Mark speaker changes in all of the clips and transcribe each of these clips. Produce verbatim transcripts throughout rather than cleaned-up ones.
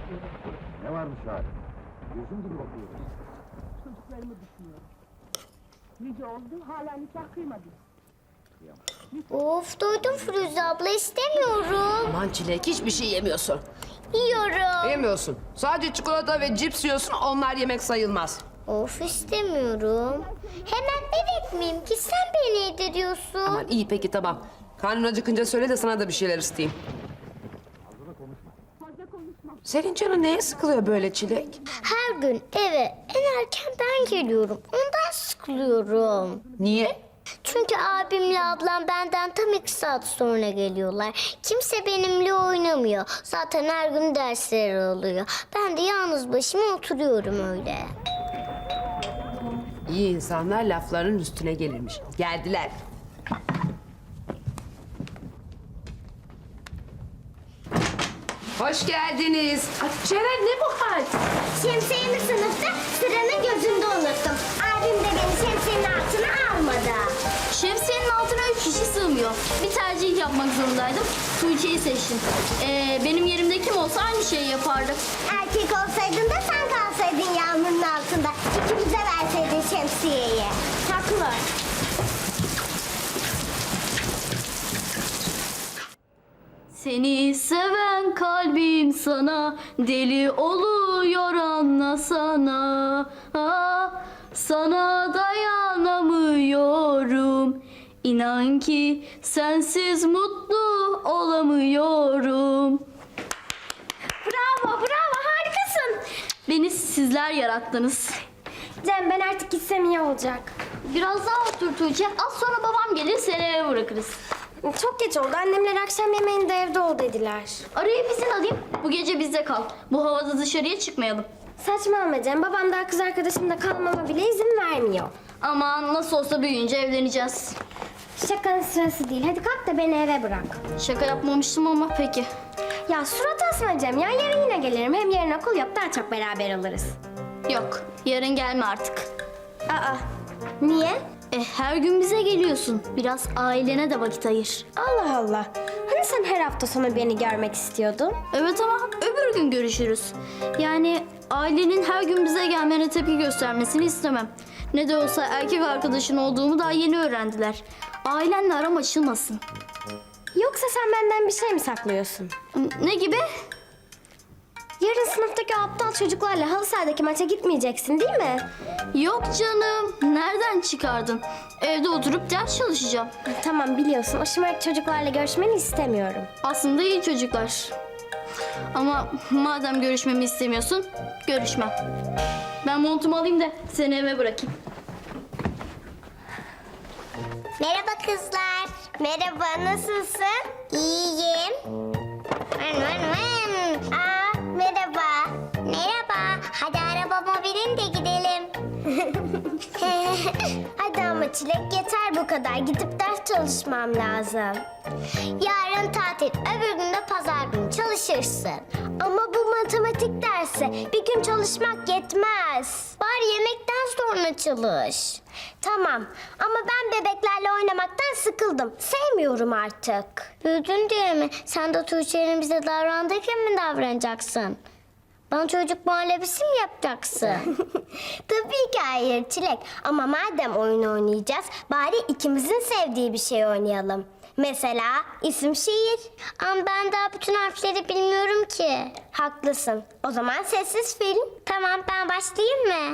Speaker 1: istiyorum.
Speaker 2: Ne varmış hali? Gözüm gibi bakıyorum.
Speaker 1: Çocuklarımı düşünüyorum. Nice oldu, hala nikah kıymadım.
Speaker 3: Of doydum Firuze abla, istemiyorum.
Speaker 4: Aman Çilek, hiçbir şey yemiyorsun.
Speaker 3: Yiyorum.
Speaker 4: Yemiyorsun. Sadece çikolata ve cips yiyorsun, onlar yemek sayılmaz.
Speaker 3: Of istemiyorum. Hemen bebek miyim ki sen beni yediriyorsun?
Speaker 4: Aman iyi peki tamam. Karnın acıkınca söyle de sana da bir şeyler ısıtayım. Senin canın neye sıkılıyor böyle Çilek?
Speaker 3: Her gün eve en erken ben geliyorum. Ondan sıkılıyorum.
Speaker 4: Niye?
Speaker 3: Çünkü abimle ablam benden tam iki saat sonra geliyorlar. Kimse benimle oynamıyor. Zaten her gün dersleri oluyor. Ben de yalnız başıma oturuyorum öyle.
Speaker 4: İyi insanlar lafların üstüne gelirmiş. Geldiler. Hoş geldiniz. Ay, Ceren ne bu hal?
Speaker 3: Şemsiyemi sınıfta sıranın gözünde unuttum. Abim de beni şemsiyenin altına almadı.
Speaker 5: Şemsiyenin altına üç kişi sığmıyor. Bir tercih yapmak zorundaydım. Tuğçe'yi seçtim. Ee, benim yerimde kim olsa aynı şeyi yapardı.
Speaker 3: Erkek olsaydın da sen kalsaydın yağmurun altında. İkimize verseydin şemsiyeyi.
Speaker 5: Haklılar. Seni seven kalbim sana deli oluyor anlasana. Ah, sana dayanamıyorum. İnan ki sensiz mutlu olamıyorum. Bravo, bravo, harikasın. Beni sizler yarattınız.
Speaker 6: Cem ben artık gitsem iyi olacak.
Speaker 5: Biraz daha otur Tuğçe. Az sonra babam gelir seni eve bırakırız.
Speaker 6: Çok geç oldu. Annemler akşam yemeğinde evde ol dediler.
Speaker 5: Arayıp izin alayım. Bu gece bizde kal. Bu havada dışarıya çıkmayalım.
Speaker 6: Saçmalama Cem. Babam daha kız arkadaşımla kalmama bile izin vermiyor.
Speaker 5: Aman nasıl olsa büyüyünce evleneceğiz.
Speaker 6: Şakanın sırası değil. Hadi kalk da beni eve bırak.
Speaker 5: Şaka yapmamıştım ama peki.
Speaker 6: Ya surat asma Cem ya. Yarın yine gelirim. Hem yarın okul yok. Daha çok beraber oluruz.
Speaker 5: Yok, yarın gelme artık.
Speaker 6: Aa. Niye?
Speaker 5: E, her gün bize geliyorsun. Biraz ailene de vakit ayır.
Speaker 6: Allah Allah. Hani sen her hafta sonu beni görmek istiyordun?
Speaker 5: Evet ama öbür gün görüşürüz. Yani ailenin her gün bize gelmene tepki göstermesini istemem. Ne de olsa erkek arkadaşın olduğumu daha yeni öğrendiler. Ailenle aram açılmasın.
Speaker 6: Yoksa sen benden bir şey mi saklıyorsun?
Speaker 5: Ne gibi?
Speaker 6: Yarın sınıftaki o aptal çocuklarla halı sahadaki maça gitmeyeceksin değil mi?
Speaker 5: Yok canım. Nereden çıkardın? Evde oturup ders çalışacağım.
Speaker 6: Tamam biliyorsun. O şımarık çocuklarla görüşmeni istemiyorum.
Speaker 5: Aslında iyi çocuklar. Ama madem görüşmemi istemiyorsun, görüşmem. Ben montumu alayım da seni eve bırakayım.
Speaker 3: Merhaba kızlar. Merhaba, nasılsın? İyiyim. Vın vın vın. Aa, merhaba. Merhaba. Hadi arabama binin de gidelim. Hadi ama Çilek yeter bu kadar. Gidip ders çalışmam lazım. Yarın tatil, öbür gün de pazar günü çalışırsın. Ama bu matematik dersi bir gün çalışmak yetmez. Bari yemekten sonra çalış. Tamam ama ben bebeklerle oynamaktan sıkıldım. Sevmiyorum artık. Büyüdün diye mi? Sen de Tuğçe'nin bize davrandığı gibi mi davranacaksın? Bana çocuk muhallebisi mi yapacaksın? Tabii ki hayır Çilek. Ama madem oyun oynayacağız, bari ikimizin sevdiği bir şey oynayalım. Mesela isim şiir. Ama ben daha bütün harfleri bilmiyorum ki. Haklısın. O zaman sessiz film. Tamam, ben başlayayım mı?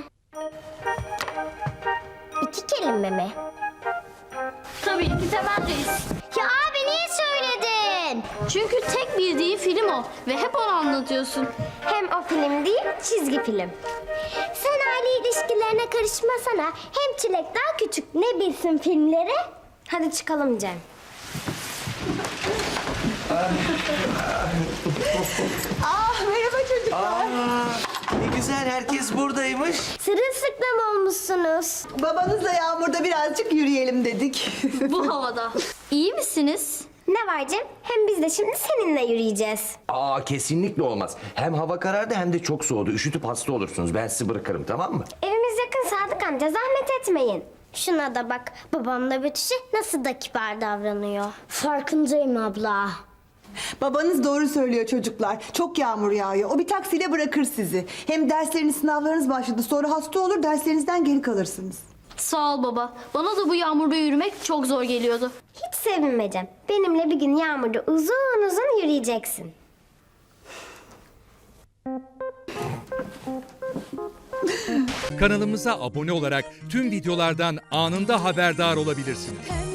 Speaker 3: İki kelime mi?
Speaker 5: Tabii ki Temel Reis.
Speaker 3: Ya abi niye söyledin?
Speaker 5: Çünkü tek bildiği film o ve hep onu anlatıyorsun.
Speaker 6: Hem o film değil, çizgi film.
Speaker 3: Sen aile ilişkilerine karışmasana. Hem Çilek daha küçük, ne bilsin filmleri?
Speaker 6: Hadi çıkalım Cem.
Speaker 7: Ah merhaba çocuklar.
Speaker 8: Aa, ne güzel herkes buradaymış.
Speaker 3: Sırılsıklam olmuşsunuz.
Speaker 7: Babanızla Yağmur'da birazcık yürüyelim dedik.
Speaker 5: Bu havada. İyi misiniz?
Speaker 6: Ne var Cem? Hem biz de şimdi seninle yürüyeceğiz.
Speaker 8: Aa kesinlikle olmaz. Hem hava karardı hem de çok soğudu. Üşütüp hasta olursunuz. Ben sizi bırakırım tamam mı?
Speaker 6: Evimiz yakın Sadık amca, zahmet etmeyin.
Speaker 3: Şuna da bak, babamla Betüş'e nasıl da kibar davranıyor. Farkındayım abla.
Speaker 7: Babanız doğru söylüyor çocuklar. Çok yağmur yağıyor. O bir taksiyle bırakır sizi. Hem dersleriniz, sınavlarınız başladı. Sonra hasta olur, derslerinizden geri kalırsınız.
Speaker 5: Sağ ol baba. Bana da bu yağmurda yürümek çok zor geliyordu.
Speaker 6: Hiç sevinmeyeceğim. Benimle bir gün yağmurda uzun uzun yürüyeceksin.
Speaker 9: Kanalımıza abone olarak tüm videolardan anında haberdar olabilirsiniz.